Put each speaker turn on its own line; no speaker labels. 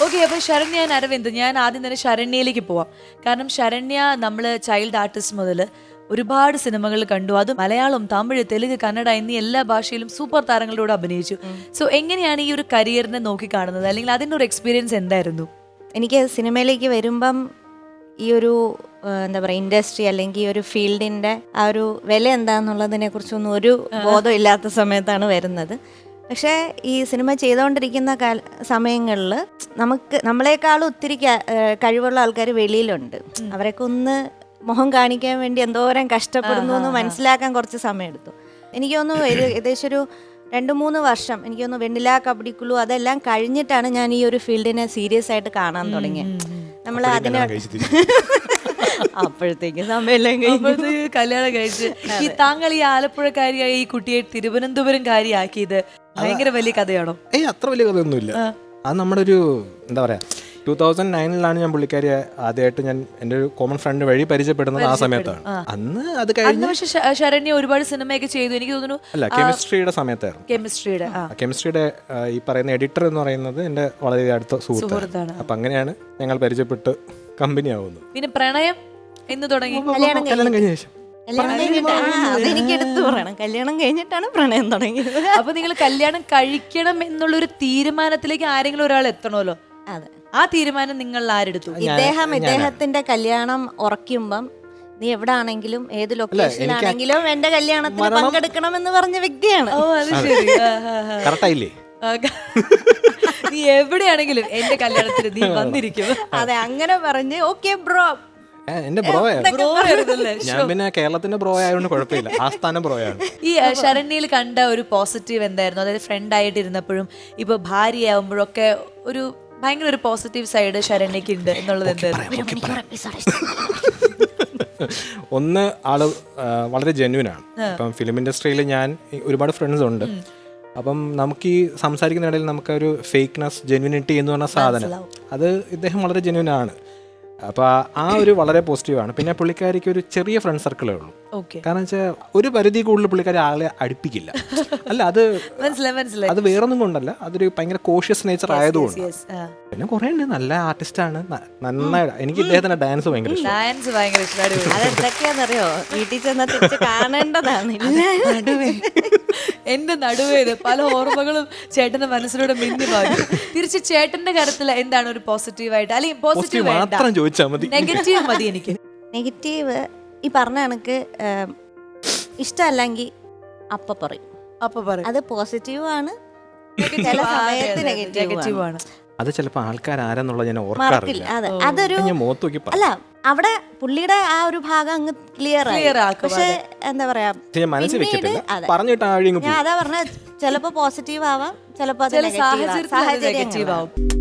Okay, അപ്പൊ Saranya and Aravind, ഞാൻ ആദ്യം തന്നെ ശരണ്യയിലേക്ക് പോവാം. കാരണം ശരണ്യ നമ്മൾ ചൈൽഡ് ആർട്ടിസ്റ്റ് മുതൽ ഒരുപാട് സിനിമകൾ കണ്ടു. അത് മലയാളം, തമിഴ്, തെലുങ്ക്, കന്നഡ എന്നീ എല്ലാ ഭാഷയിലും സൂപ്പർ താരങ്ങളോട് അഭിനയിച്ചു. സോ എങ്ങനെയാണ് ഈ ഒരു കരിയറിനെ നോക്കി കാണുന്നത്, അല്ലെങ്കിൽ അതിൻ്റെ ഒരു എക്സ്പീരിയൻസ് എന്തായിരുന്നു?
എനിക്ക് സിനിമയിലേക്ക് വരുമ്പം ഈ ഒരു എന്താ പറയുക ഇൻഡസ്ട്രി അല്ലെങ്കിൽ ഈ ഒരു ഫീൽഡിൻ്റെ ആ ഒരു വില എന്താണെന്നുള്ളതിനെ കുറിച്ചൊന്നും ഒരു ബോധം ഇല്ലാത്ത സമയത്താണ് വരുന്നത്. പക്ഷേ ഈ സിനിമ ചെയ്തുകൊണ്ടിരിക്കുന്ന സമയങ്ങളിൽ നമ്മളെക്കാളും ഒത്തിരി കഴിവുള്ള ആൾക്കാർ വെളിയിലുണ്ട്. അവരൊക്കെ ഒന്ന് മുഖം കാണിക്കാൻ വേണ്ടി എന്തോരം കഷ്ടപ്പെടുന്നു എന്ന് മനസ്സിലാക്കാൻ കുറച്ച് സമയമെടുത്തു. എനിക്ക് തോന്നുന്നു ഏകദേശം ഒരു 2-3 വർഷം എനിക്ക് തോന്നുന്നു വെണ്ണില കബഡിക്കുള്ളൂ അതെല്ലാം കഴിഞ്ഞിട്ടാണ് ഞാൻ ഈ ഒരു ഫീൽഡിനെ സീരിയസ് ആയിട്ട് കാണാൻ തുടങ്ങിയത്. നമ്മൾ അതിനെ അപ്പോഴത്തേക്ക് സമയമെല്ലാം
കല്യാണം കഴിച്ച് ഈ താങ്കൾ ഈ ആലപ്പുഴക്കാരിയായി ഈ കുട്ടിയെ തിരുവനന്തപുരം കാര്യമാക്കിയത് ഭയങ്കര വലിയ കഥയാണോ?
അത്ര വലിയ കഥയൊന്നുമില്ല. അത് നമ്മുടെ ഒരു എന്താ പറയാ 2009 ഞാൻ പുള്ളിക്കാരിയെ ആദ്യമായിട്ട് ഞാൻ എൻ്റെ ഒരു കോമൺ ഫ്രണ്ട് വഴി പരിചയപ്പെടുന്നത് ആ സമയത്താണ്. അന്ന് അത് കഴിഞ്ഞ്
പക്ഷെ ശരണ്യ ഒരുപാട് സിനിമയൊക്കെ ചെയ്തു എനിക്ക് തോന്നുന്നു.
അല്ല, കെമിസ്ട്രിയുടെ സമയത്തായിരുന്നു.
കെമിസ്ട്രിയുടെ
ഈ പറയുന്ന എഡിറ്റർ എന്ന് പറയുന്നത് എൻ്റെ വളരെ അടുത്ത സുഹൃത്താണ്. അപ്പൊ അങ്ങനെയാണ് ഞങ്ങൾ പരിചയപ്പെട്ട് കമ്പനി ആവുന്നത്.
പിന്നെ പ്രണയം എന്ന് തുടങ്ങി
കല്യാണം കഴിഞ്ഞ ശേഷം.
അതെനിക്ക് എടുത്തു പറയണം, കല്യാണം കഴിഞ്ഞിട്ടാണ് പ്രണയം തുടങ്ങിയത്.
അപ്പൊ നിങ്ങൾ കല്യാണം കഴിക്കണം എന്നുള്ളൊരു തീരുമാനത്തിലേക്ക് ആരെങ്കിലും ഒരാൾ എത്തണമല്ലോ.
അതെ,
ആ തീരുമാനം നിങ്ങൾ ആരെടുത്തു?
ഇദ്ദേഹത്തിന്റെ കല്യാണം ഉറക്കുമ്പം നീ എവിടെ ആണെങ്കിലും ഏത് ലൊക്കേഷനിലാണെങ്കിലും എന്റെ കല്യാണത്തിന് പങ്കെടുക്കണം എന്ന് പറഞ്ഞ വ്യക്തിയാണ്.
ഓ, അത് ശരി.
കറക്റ്റായില്ലേ?
നീ എവിടെയാണെങ്കിലും എന്റെ കല്യാണത്തിന് നീ വന്നിരിക്കും.
അതെ, അങ്ങനെ പറഞ്ഞ് ഓക്കെ ബ്രോ.
എന്റെ ബ്രോ ഞാൻ പിന്നെ കേരളത്തിന്റെ ബ്രോ ആയതുകൊണ്ട് കുഴപ്പമില്ല, ആസ്ഥാനം ബ്രോയാണ്.
ഈ ശരണ്യയിൽ കണ്ട ഒരു പോസിറ്റീവ് എന്തായിരുന്നു? അതായത് ഫ്രണ്ട് ആയിട്ട് ഇരുന്നപ്പോഴും ഇപ്പൊ ഭാര്യയാവുമ്പോഴൊക്കെ ഒരു ഭയങ്കര ഒരു പോസിറ്റീവ് സൈഡ് ശരണ്യക്ക് ഉണ്ട് എന്നുള്ളത് എന്തായിരുന്നു?
ഒന്ന്, ആള് വളരെ ജെന്യൂനാണ്. ഇപ്പം ഫിലിം ഇൻഡസ്ട്രിയിൽ ഞാൻ ഒരുപാട് ഫ്രണ്ട്സ് ഉണ്ട്. അപ്പം നമുക്ക് ഈ സംസാരിക്കുന്നിടയിൽ നമുക്കൊരു ഫേക്ക്നെസ്, ജെന്യൂനിറ്റി എന്ന് പറഞ്ഞ സാധനം അത് ഇദ്ദേഹം വളരെ ജെന്യൂനാണ്. അപ്പോൾ ആ ഒരു വളരെ പോസിറ്റീവാണ്. പിന്നെ പുള്ളിക്കാരിക്ക് ഒരു ചെറിയ ഫ്രണ്ട് സർക്കിളേ ഉള്ളൂ. കാരണം വെച്ചാൽ ഒരു പരിധി കൂടുതൽ പുള്ളിക്കാരി ആളെ അടുപ്പിക്കില്ല. അല്ല, അത് അത് വേറൊന്നും കൊണ്ടല്ല, അതൊരു ഭയങ്കര കോഷ്യസ് നേച്ചർ ആയതുകൊണ്ട്. പിന്നെ കുറെ ഉണ്ട്, നല്ല ആർട്ടിസ്റ്റാണ്, നന്നായി. എനിക്ക് ഇദ്ദേഹത്തിന്റെ ഡാൻസ് ഭയങ്കര
ഇഷ്ടമാണ്.
അതെന്തൊക്കെയാണെന്നറിയോ, വീട്ടിൽ ചെന്നാൽ തിരിച്ച് കാണേണ്ടതാണ്.
എന്റെ നടുവേത് പല ഓർമ്മകളും ചേട്ടന്റെ മനസ്സിലൂടെ മിന്നി പാടും. തിരിച്ച് ചേട്ടന്റെ കാര്യത്തിൽ എന്താണ് ഒരു പോസിറ്റീവായിട്ട്, അല്ലെങ്കിൽ പോസിറ്റീവ്
മാത്രം ചോദിച്ചാൽ മതി,
നെഗറ്റീവ് മതി എനിക്ക്.
നെഗറ്റീവ് ഈ പറഞ്ഞ കണക്ക് ഇഷ്ടമല്ലെങ്കിൽ അപ്പൊ പറയും, അത് പോസിറ്റീവ് ആണ്, ചില സമയത്ത് നെഗറ്റീവ് ആണ്.
അത് ചിലപ്പോ ആൾക്കാർ ആരാന്നുള്ളത് ഞാൻ ഓർക്കാറില്ല.
അതൊരു അല്ല, അവിടെ പുള്ളിയുടെ ആ ഒരു ഭാഗം അങ്ങ് ക്ലിയർ ആക്കും. പക്ഷെ എന്താ പറയാ,
പറഞ്ഞിട്ട്
ഞാൻ അതാ പറഞ്ഞ, ചിലപ്പോ പോസിറ്റീവ് ആവാം, ചിലപ്പോ സാഹചര്യം